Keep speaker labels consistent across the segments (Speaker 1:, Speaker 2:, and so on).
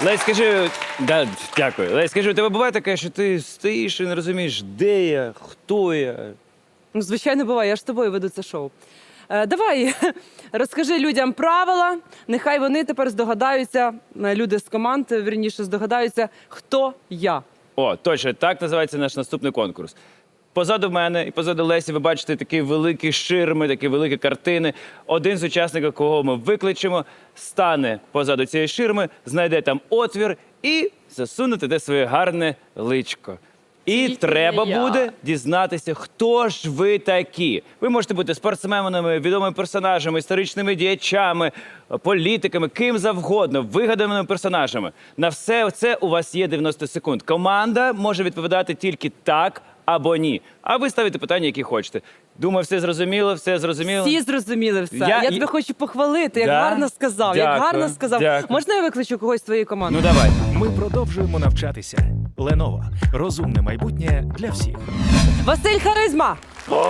Speaker 1: Лесь, скажи, да, дякую. Лесь, скажи, у тебе буває таке, що ти стоїш і не розумієш, де я, хто я?
Speaker 2: Ну, звичайно, буває, я ж з тобою веду це шоу. Давай, розкажи людям правила, нехай вони тепер здогадаються, люди з команд, вірніше, здогадаються, хто я.
Speaker 1: О, точно, так називається наш наступний конкурс. Позаду мене і позаду Лесі ви бачите такі великі ширми, такі великі картини. Один з учасників, кого ми викличемо, стане позаду цієї ширми, знайде там отвір і засуне туди своє гарне личко. І треба буде дізнатися, хто ж ви такі. Ви можете бути спортсменами, відомими персонажами, історичними діячами, політиками, ким завгодно, вигаданими персонажами. На все це у вас є 90 секунд. Команда може відповідати тільки так або ні. А ви ставите питання, які хочете. Думаю, все зрозуміло, все зрозуміло.
Speaker 2: Всі зрозуміли все. Я тебе хочу похвалити, як гарно сказав.
Speaker 1: Дякую.
Speaker 2: Як гарно сказав.
Speaker 1: Дякую.
Speaker 2: Можна я викличу когось з твоєї команди?
Speaker 1: Ну давай.
Speaker 3: Ми продовжуємо навчатися. Lenovo. Розумне майбутнє для всіх.
Speaker 2: Василь Харизма!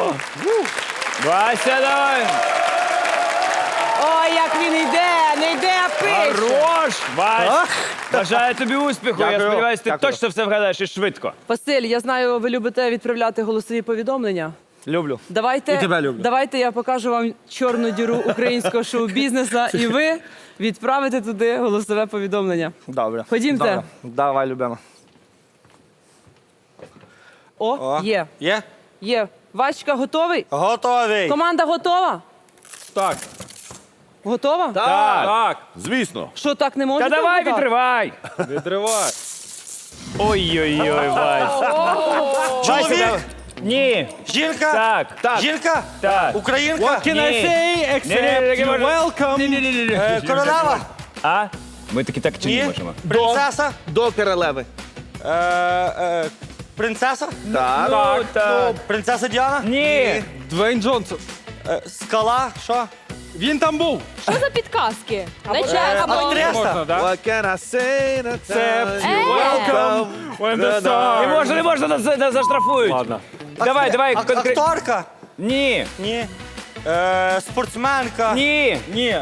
Speaker 1: Вася, давай!
Speaker 2: Ой, як він йде, не йде, а пише.
Speaker 1: Хорош! Вась! Бажаю тобі успіху. Я
Speaker 4: Дякую.
Speaker 1: сподіваюся, ти
Speaker 4: Дякую.
Speaker 1: точно все вгадаєш і швидко.
Speaker 2: Василь, я знаю, ви любите відправляти голосові повідомлення.
Speaker 4: Люблю.
Speaker 2: Давайте,
Speaker 4: І тебе люблю.
Speaker 2: давайте я покажу вам чорну діру українського шоу-бізнесу, і ви відправите туди голосове повідомлення.
Speaker 4: Добре.
Speaker 2: Ходімте.
Speaker 4: Добре. Давай, любимо.
Speaker 2: О, є.
Speaker 4: Є?
Speaker 2: Є. Вачка, готовий?
Speaker 4: Готовий.
Speaker 2: Команда готова?
Speaker 4: Так.
Speaker 2: Готова?
Speaker 4: Так. Звісно.
Speaker 2: Що, так не
Speaker 1: Та
Speaker 2: можете?
Speaker 1: давай
Speaker 2: вгадати?
Speaker 1: відривай!
Speaker 4: Відривай.
Speaker 1: Ой-ой-ой, Вась.
Speaker 4: Чоловік.
Speaker 1: Ні.
Speaker 4: Жінка.
Speaker 1: Так.
Speaker 4: Жінка.
Speaker 1: Так.
Speaker 4: Українка.
Speaker 1: Ні. Ні-ні-ні,
Speaker 4: welcome.
Speaker 1: Ні-ні-ні.
Speaker 4: Королева.
Speaker 1: А? Ми таки так чи ні
Speaker 4: Ні.
Speaker 1: можемо?
Speaker 4: Принцеса.
Speaker 5: До королеви.
Speaker 4: Принцеса.
Speaker 5: Так.
Speaker 1: Ну, так.
Speaker 4: Принцеса Діана.
Speaker 1: Ні.
Speaker 5: Двейн Джонсон.
Speaker 4: Скала. Що?
Speaker 5: Він там був.
Speaker 6: Що за підказки? Не чесно.
Speaker 4: Актриса.
Speaker 5: What can I say?
Speaker 6: Welcome
Speaker 1: Не можна, нас заштрафують.
Speaker 5: Ладно.
Speaker 1: Давай, конкретно.
Speaker 4: Акторка.
Speaker 1: Ні.
Speaker 4: Ні. Спортсменка.
Speaker 1: Ні.
Speaker 4: Ні.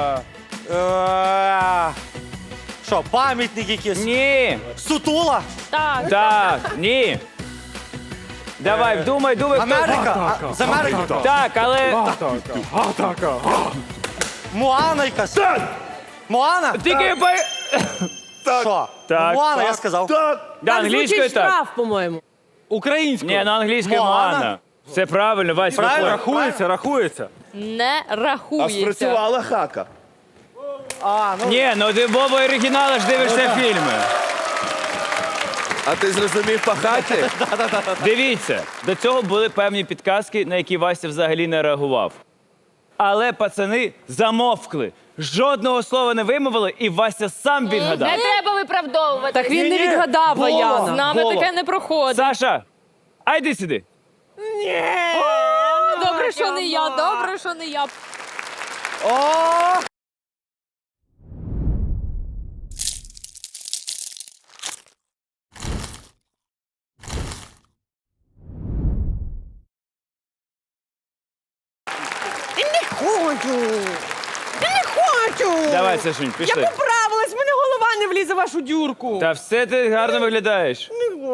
Speaker 4: Що, пам'ятник якийсь?
Speaker 1: Ні.
Speaker 4: Сутула.
Speaker 6: Так.
Speaker 1: Так. Ні. Давай, думай, хто.
Speaker 4: Америка. З Америки.
Speaker 1: Так, але...
Speaker 4: Моана якась. Моана?
Speaker 1: Тільки по...
Speaker 4: Що?
Speaker 1: Так.
Speaker 4: Моана, я сказав.
Speaker 1: Да,
Speaker 2: Так
Speaker 1: англійською
Speaker 2: звучить
Speaker 1: так.
Speaker 2: штраф, по-моєму.
Speaker 5: Українською.
Speaker 1: Ні, на англійською
Speaker 4: Моана.
Speaker 1: Моана. Все правильно, Вась,
Speaker 4: Правильно?
Speaker 1: виходь.
Speaker 5: Рахується, рахується.
Speaker 6: Не рахується.
Speaker 5: Спрацювала хака.
Speaker 1: Ні, ну ти Бобо оригінала ж дивишся фільми.
Speaker 5: А ти зрозумів по хаті?
Speaker 1: Дивіться, до цього були певні підказки, на які Вася взагалі не реагував. Але пацани замовкли. Жодного слова не вимовили, і Вася сам відгадав.
Speaker 6: Не треба виправдовувати.
Speaker 2: Так він не відгадав,
Speaker 6: З
Speaker 2: Ваяна.
Speaker 6: нами таке не проходить.
Speaker 1: Саша, а йди сюди.
Speaker 6: Добре, що не я, добре, що не я.
Speaker 1: Давай, Сашунь,
Speaker 2: Я
Speaker 1: пішли.
Speaker 2: поправилась, в мене голова не влізе в вашу дюрку.
Speaker 1: Та все ти гарно виглядаєш.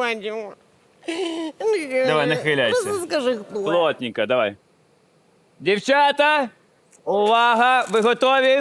Speaker 1: Давай, нахиляйся.
Speaker 2: Скажи, хто.
Speaker 1: Плотненько, давай. Дівчата, увага, ви готові?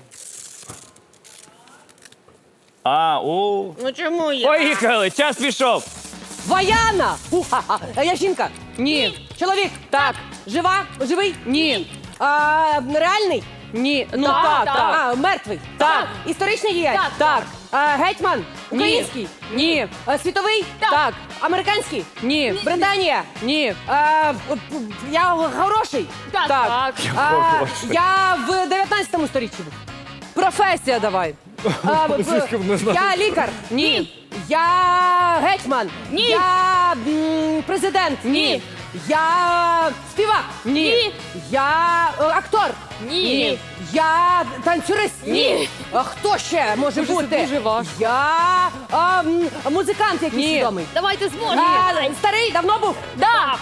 Speaker 2: Ну чому я?
Speaker 1: Поїхали, час пішов.
Speaker 2: Ваяна! Я жінка? Ні. Чоловік? Так. Жива? Живий? Ні. Реальний? Ні. Ну
Speaker 6: Так,
Speaker 2: так.
Speaker 6: так.
Speaker 2: Мертвий? Так. Історичний діяч?
Speaker 6: Так.
Speaker 2: Гетьман? Український? Ні. Світовий?
Speaker 6: Так.
Speaker 2: Американський? Ні. Британія? Ні. Я хороший?
Speaker 6: Так, так.
Speaker 2: Я в 19 сторіччі був. Професія давай. Я лікар? Ні. Я гетьман?
Speaker 6: Ні.
Speaker 2: Я президент?
Speaker 6: Ні.
Speaker 2: Я співак?
Speaker 6: Ні.
Speaker 2: Я актор?
Speaker 6: Ні.
Speaker 2: Я танцюрист?
Speaker 6: Ні.
Speaker 2: А хто ще може
Speaker 6: Дуже-
Speaker 2: бути?
Speaker 6: дуже важко.
Speaker 2: Я музикант якийсь відомий.
Speaker 6: Давайте зможемо.
Speaker 2: Старий, давно був?
Speaker 6: Да.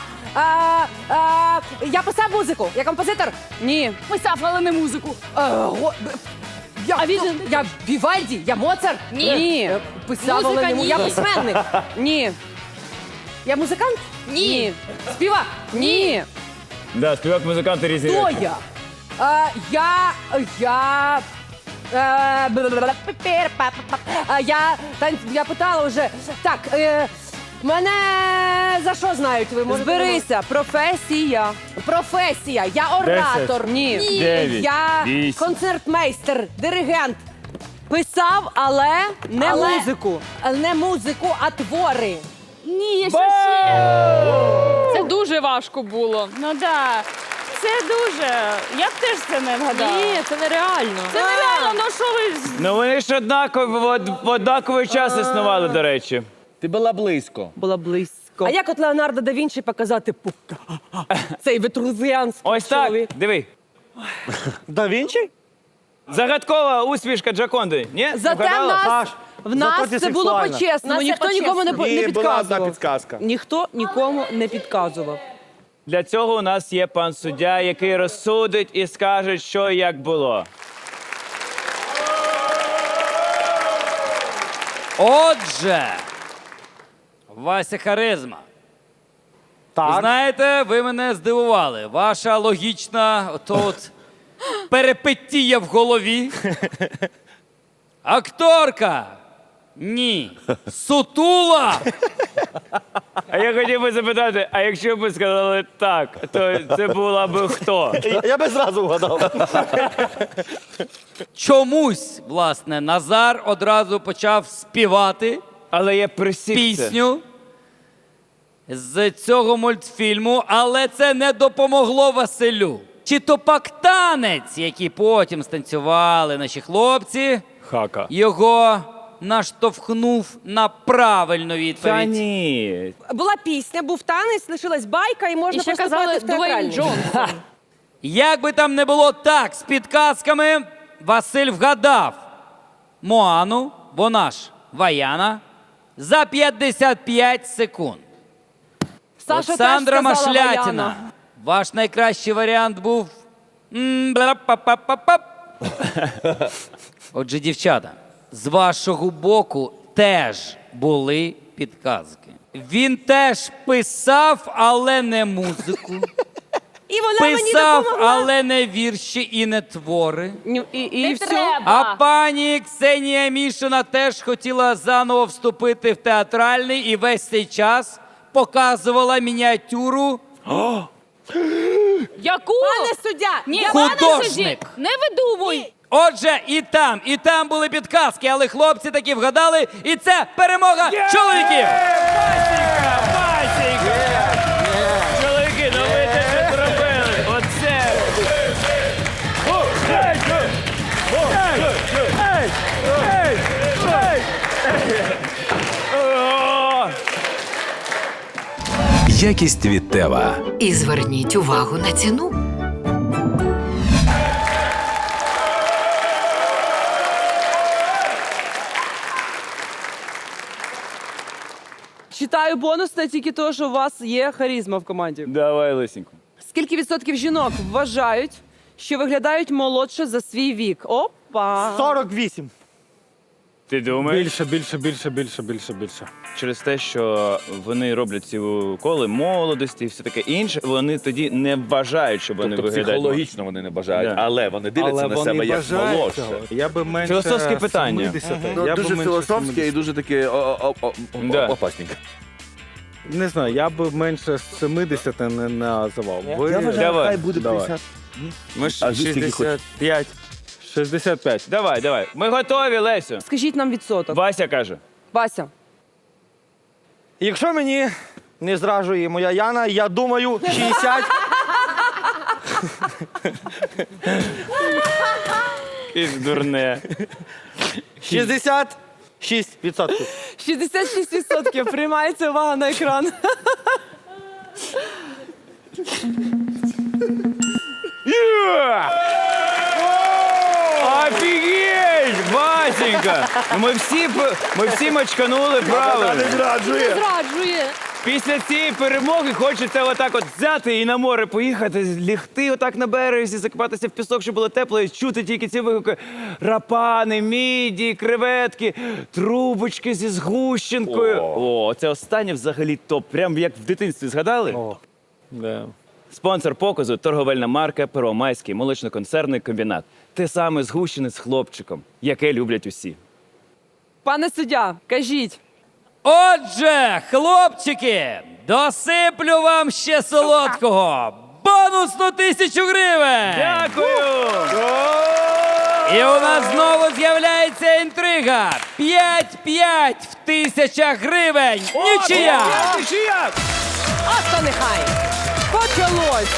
Speaker 2: Я писав музику. Я композитор? Ні.
Speaker 6: Писав, але не музику. А він же-
Speaker 7: Я Вівальді, я Моцарт.
Speaker 2: Ні.
Speaker 7: Писав, але
Speaker 6: Музика
Speaker 7: не
Speaker 6: ні.
Speaker 7: я письменник.
Speaker 2: Ні.
Speaker 7: Я музикант?
Speaker 2: Ні.
Speaker 7: Співак?
Speaker 2: Ні.
Speaker 1: Да, співак, музиканти різні.
Speaker 7: Хто
Speaker 1: речі.
Speaker 7: я? Я питала вже. Так, мене за що знають? Ви можете
Speaker 2: Зберися. Професія.
Speaker 7: Професія. Я оратор.
Speaker 2: Ні.
Speaker 1: 9,
Speaker 7: Я
Speaker 1: 8.
Speaker 7: концертмейстер, диригент.
Speaker 2: Писав, але не
Speaker 7: Але-
Speaker 2: музику.
Speaker 7: Не музику, а твори.
Speaker 6: Ні, що ще? Це дуже важко було.
Speaker 8: Ну да. Це дуже. Я б теж це не вгадала.
Speaker 6: Ні, це нереально.
Speaker 8: Це нереально, ну що ви.
Speaker 1: Ну вони ж в однаковий час існували, до речі.
Speaker 5: Ти була близько.
Speaker 2: Була близько.
Speaker 7: А як от Леонардо да Вінчі показати цей вітрузіанський
Speaker 1: Ось так,
Speaker 7: чоловік?
Speaker 1: диви.
Speaker 4: Да Вінчі?
Speaker 1: Загадкова усмішка Джаконди. Ні?
Speaker 2: Зате
Speaker 1: Вгадала?
Speaker 2: в нас,
Speaker 4: Саш,
Speaker 2: в нас
Speaker 4: заходи
Speaker 2: це було
Speaker 4: сексуально.
Speaker 2: по-чесному.
Speaker 7: Нас це
Speaker 2: Ніхто нікому не,
Speaker 7: по-чесному.
Speaker 2: не
Speaker 5: Ні, була одна
Speaker 2: підказував.
Speaker 5: підказка.
Speaker 2: Ніхто нікому не підказував.
Speaker 1: Для цього у нас є пан суддя, який розсудить і скаже, що і як було.
Speaker 9: Отже, Вася Харизма. Ви
Speaker 4: Так.
Speaker 9: знаєте, ви мене здивували. Ваша логічна от перепиття в голові. Акторка. Ні. Сутула.
Speaker 1: А я хотів би запитати, а якщо б ви сказали так, то це була б хто?
Speaker 4: Я би зразу вгадав.
Speaker 9: Чомусь, власне, Назар одразу почав співати
Speaker 1: Але я присік це.
Speaker 9: пісню з цього мультфільму, але це не допомогло Василю. Чи то пак танець, який потім станцювали наші хлопці,
Speaker 1: Хака.
Speaker 9: його наштовхнув на правильну
Speaker 1: Та
Speaker 9: відповідь.
Speaker 1: ні.
Speaker 7: Була пісня, був танець, лишилась байка і можна
Speaker 6: І ще
Speaker 7: поступати
Speaker 6: казали
Speaker 7: в
Speaker 6: Дуейн
Speaker 7: театральний.
Speaker 6: Джонсон.
Speaker 9: Як би там не було так, з підказками Василь вгадав Моану, вона ж Ваяна, за 55 секунд.
Speaker 2: Саша
Speaker 9: Олександра
Speaker 2: теж сказала
Speaker 9: Машлятіна.
Speaker 2: Ваяна.
Speaker 9: Ваш найкращий варіант був. Бла-па-па-па-па. Отже, дівчата, з вашого боку теж були підказки. Він теж писав, але не музику.
Speaker 7: І вона мені
Speaker 9: Писав,
Speaker 7: допомогла.
Speaker 9: але не вірші і не твори.
Speaker 2: І все.
Speaker 6: Треба.
Speaker 9: А пані Ксенія Мішина теж хотіла заново вступити в театральний і весь цей час показувала мініатюру
Speaker 6: Яку?
Speaker 7: Пане суддя!
Speaker 6: Ні,
Speaker 9: Художник.
Speaker 6: пане судді, не видумуй.
Speaker 9: Отже, і там були підказки, але хлопці таки вгадали, і це перемога чоловіків!
Speaker 1: Чоловіки, ну ви це зробили. Оце.
Speaker 3: Якість від Тева.
Speaker 10: І зверніть увагу на ціну.
Speaker 2: Читаю бонусне тільки того, що у вас є харизма в команді.
Speaker 1: Давай, Лисенько.
Speaker 2: Скільки відсотків жінок вважають, що виглядають молодше за свій вік? Опа!
Speaker 4: 48.
Speaker 1: Ти думаєш?
Speaker 4: Більше.
Speaker 1: Через те, що вони роблять ці уколи молодості і все таке інше, вони тоді не вважають, що вони
Speaker 5: Тобто
Speaker 1: виглядають.
Speaker 5: психологічно вони не бажають,
Speaker 1: Да.
Speaker 5: але вони дивляться на себе як молодше.
Speaker 11: Я би менше
Speaker 1: Філософське питання.
Speaker 11: 70.
Speaker 5: Ну,
Speaker 11: Я би
Speaker 5: дуже
Speaker 11: менше
Speaker 5: філософське
Speaker 11: 70.
Speaker 5: і дуже таке
Speaker 1: Да.
Speaker 5: опасненьке.
Speaker 11: Не знаю, я би менше 70 не називав. Ви...
Speaker 1: Давай.
Speaker 5: буде
Speaker 11: Давай.
Speaker 5: 50.
Speaker 11: Ми
Speaker 5: А ви скільки хочете?
Speaker 11: 65. 65.
Speaker 1: Давай. Ми готові, Лесю.
Speaker 2: Скажіть нам відсоток.
Speaker 1: Вася каже.
Speaker 2: Вася.
Speaker 4: Якщо мені не зраджує моя Яна, я думаю, 60.
Speaker 1: І дурне.
Speaker 4: 66%.
Speaker 2: 66% приймається увага на екран.
Speaker 1: Офігеть! Васенька! Ну, ми всі мочканули правильно.
Speaker 5: Зраджує.
Speaker 6: Зраджує.
Speaker 1: Після цієї перемоги хочеться отак от взяти і на море поїхати, лягти отак на березі, закопатися в пісок, щоб було тепло, і чути тільки ці вигуки. Рапани, міді, креветки, трубочки зі згущенкою. О, це останнє взагалі топ. Прям як в дитинстві згадали?
Speaker 11: Да.
Speaker 1: Спонсор показу – торговельна марка «Первомайський молочно-консервний комбінат». Те саме згущене з хлопчиком, яке люблять усі.
Speaker 2: Пане суддя, кажіть.
Speaker 9: Отже, хлопчики, досиплю вам ще солодкого. Бонусну 1000 гривень!
Speaker 1: Дякую!
Speaker 9: І у нас знову з'являється інтрига. 5-5 в 1000 гривень. Нічия!
Speaker 1: Нічия!
Speaker 7: А то нехай.
Speaker 2: Почалось!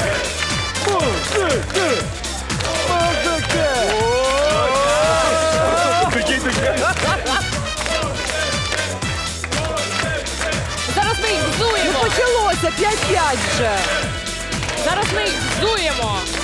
Speaker 6: Зараз ми їх взуємо.
Speaker 2: Почалося 5-5 вже.
Speaker 6: Зараз ми їх взуємо.